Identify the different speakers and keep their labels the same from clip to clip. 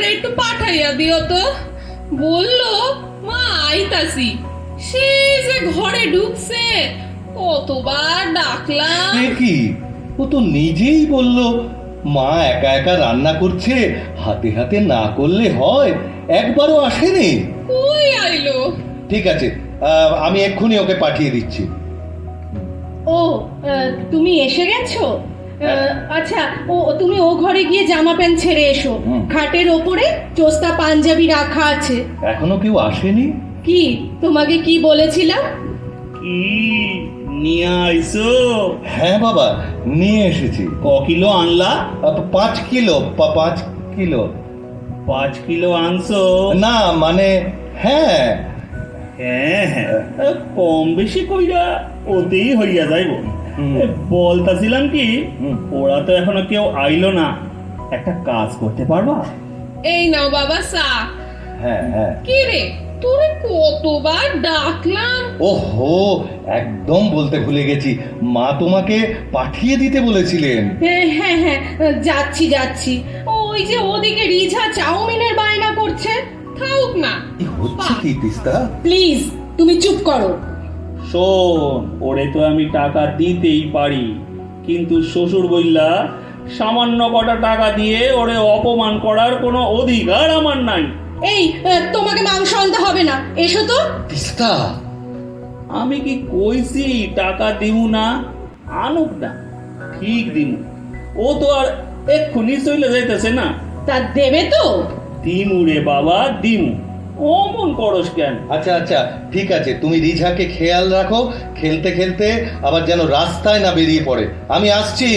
Speaker 1: একটু পাঠাইয়া দিও তো। বললো মা আইতাছি, সে যে ঘরে ঢুকছে, কতবার ডাকলাম।
Speaker 2: সে কি, ও তো নিজেই বলল মা একা একা রান্না করছে, হাতে হাতে না করলে হয়। একবারও আসেনি।
Speaker 1: কই আইলো?
Speaker 2: ঠিক আছে, আমি এক্ষুনি ওকে পাঠিয়ে দিচ্ছি।
Speaker 3: ও, তুমি এসে গেছো? আচ্ছা, তুমি ও ঘরে গিয়ে জামা প্যান্ট ছেড়ে এসো। খাটের ওপরে চোস্তা পাঞ্জাবি রাখা আছে।
Speaker 2: এখনো কেউ আসেনি?
Speaker 3: কি, তোমাকে কি বলেছিলাম?
Speaker 4: কি নিয়ে আইছো?
Speaker 2: হ্যাঁ বাবা, নিয়ে এসেছি।
Speaker 4: ক কিলো আনলা?
Speaker 2: 5 কিলো। 5 কিলো?
Speaker 4: 5 কিলো আনছো?
Speaker 2: না মানে, হ্যাঁ।
Speaker 4: হ্যাঁ হ্যাঁ, কম বেশি কইরা ওতেই হইয়া যাইব। বলতাছিলাম কি, ওরা তো এখনো কেউ আইলো না, একটা কাজ করতে পারবা?
Speaker 1: এই নাও বাবা চা।
Speaker 2: হ্যাঁ হ্যাঁ।
Speaker 1: কি রে, তোরে কতবার ডাকলাম।
Speaker 2: ওহো, একদম বলতে ভুলে গেছি, মা তোমাকে পাঠিয়ে দিতে বলেছিলেন।
Speaker 3: হ্যাঁ হ্যাঁ হ্যাঁ, যাচ্ছি যাচ্ছি। ওই যে ওদিকে রিঝা চাউমিনের বায়না করছে।
Speaker 1: থাকুক না।
Speaker 2: কি হচ্ছে কি তিস্তা?
Speaker 3: প্লিজ তুমি চুপ করো।
Speaker 4: শোন, ওরে তো আমি টাকা দিতেই পারি, কিন্তু শ্বশুর বইলা সামান্য কটা টাকা দিয়ে ওরে অপমান করার কোনো অধিকার আমার নাই।
Speaker 3: এই, তোমাকে মাংস আনতে হবে না, এসো তো।
Speaker 2: তিস্তা,
Speaker 4: আমি কি কইছি টাকা দিমু না? আনুক না, ঠিক দিমু। ও তো আর এক্ষুনি চলে যাইতেছে না।
Speaker 3: তা দেবে তো?
Speaker 4: দিমু রে বাবা, দিমু। অমন করস কেন?
Speaker 2: আচ্ছা আচ্ছা, ঠিক আছে, তুমি রিঝাকে খেয়াল রাখো, খেলতে খেলতে আবার যেন রাস্তায় না বেরিয়ে পড়ে। আমি আসছি।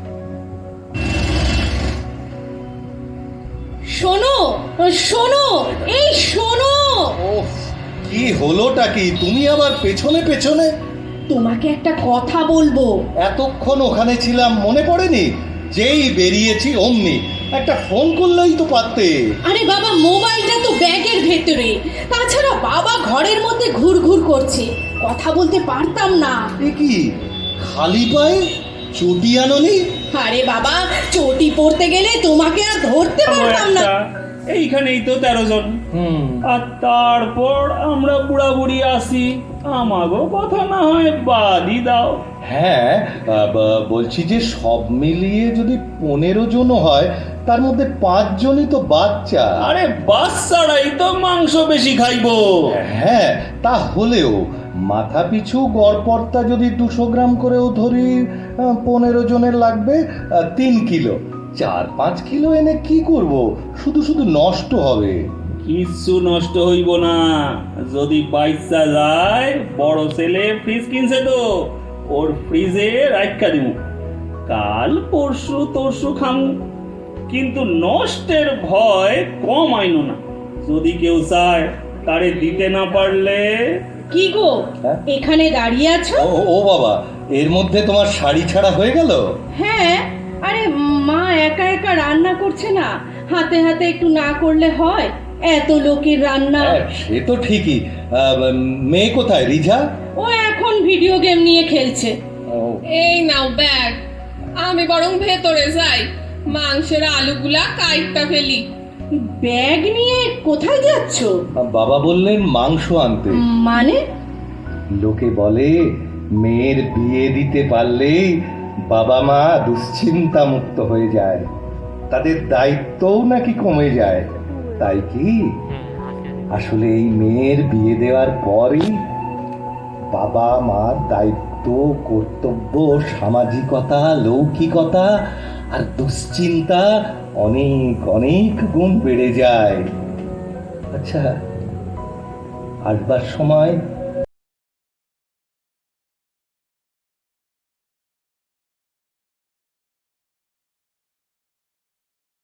Speaker 3: শোনো শোনো, এই শোনো।
Speaker 2: ওহ, কি হলোটা কি? তুমি আবার পেছনে পেছনে?
Speaker 3: তোমাকে একটা কথা বলবো।
Speaker 2: এতক্ষণ ওখানে ছিলাম, মনে পড়েনি? যেই বেরিয়েছি অমনি একটা ফোন করলেই তো পারতে।
Speaker 3: আরে বাবা, মোবাইলটা তো ব্যাগের ভেতরে। তাছাড়া বাবা ঘরের মধ্যে ঘুরঘুর করছে, কথা বলতে পারতাম না।
Speaker 2: এ কি, খালি পায়ে চটি আনোনি?
Speaker 3: আরে বাবা, চটি পড়তে গেলে তোমাকে আর ধরতে পারতাম না।
Speaker 4: এইখানেই তো 13 জন, আর তারপর আমরা বুড়া বুড়ি আসি। আমাগো কথা না হয় বাদই দাও।
Speaker 2: হ্যাঁ, বলছি যে সব মিলিয়ে যদি 15 জনও হয়, তার মধ্যে 5 জনই তো বাচ্চা।
Speaker 4: আরে বাচ্চারাই তো মাংস বেশি খাইবো।
Speaker 2: হ্যাঁ, তা হলেও মাথা পিছু গড়পড়তা যদি 200 গ্রাম করেও ধরি, 15 জনের লাগবে 3 কিলো। 4-5 কিলো এনে কি করব? শুধু শুধু নষ্ট হবে।
Speaker 4: কিচ্ছু নষ্ট হইব না, যদি বাইসা যায়। বড় ছেলে ফ্রিজ কিনছে তো, ওর ফ্রিজে রাখা দিমু। কাল পরশু তরশু খামু, কিন্তু নষ্টের ভয় কম আইনো না। যদি কেউ চায়, তারে দিতে না পারলে।
Speaker 3: কি গো,
Speaker 2: হ্যাঁ?
Speaker 3: এখানে দাঁড়িয়ে আছো?
Speaker 2: ও বাবা, এর মধ্যে তোমার শাড়ি ছাড়া হয়ে গেল?
Speaker 3: হ্যাঁ, আরে মা একা একা রান্না করছে না, হাতে হাতে একটু না করলে হয়? এত লোকের রান্না।
Speaker 2: হ্যাঁ, সে তো ঠিকই। মেয়ে কোথায়, রিঝা?
Speaker 3: ও এখন ভিডিও গেম নিয়ে খেলছে।
Speaker 1: এই নাও ব্যাগ। আমি বরং ভেতরে যাই, মাংসের আলুগুলা কাইটটা ফেলি।
Speaker 3: ব্যাগ নিয়ে কোথায় যাচ্ছো?
Speaker 2: বাবা বললেন মাংস আনতে।
Speaker 3: মানে?
Speaker 2: লোকে বলে মেয়ের বিয়ে দিতে পারলেই বাবা মা দুশ্চিন্তা মুক্ত হয়ে যায়, তাদের দায়িত্বও নাকি কমে যায়। তাই কি? আসলে এই মেয়ের বিয়ে দেওয়ার পরই বাবা মার দায়িত্ব, কর্তব্য, সামাজিকতা, লৌকিকতা আর দুশ্চিন্তা অনেক অনেক গুণ বেড়ে যায়। আচ্ছা, আসবার সময়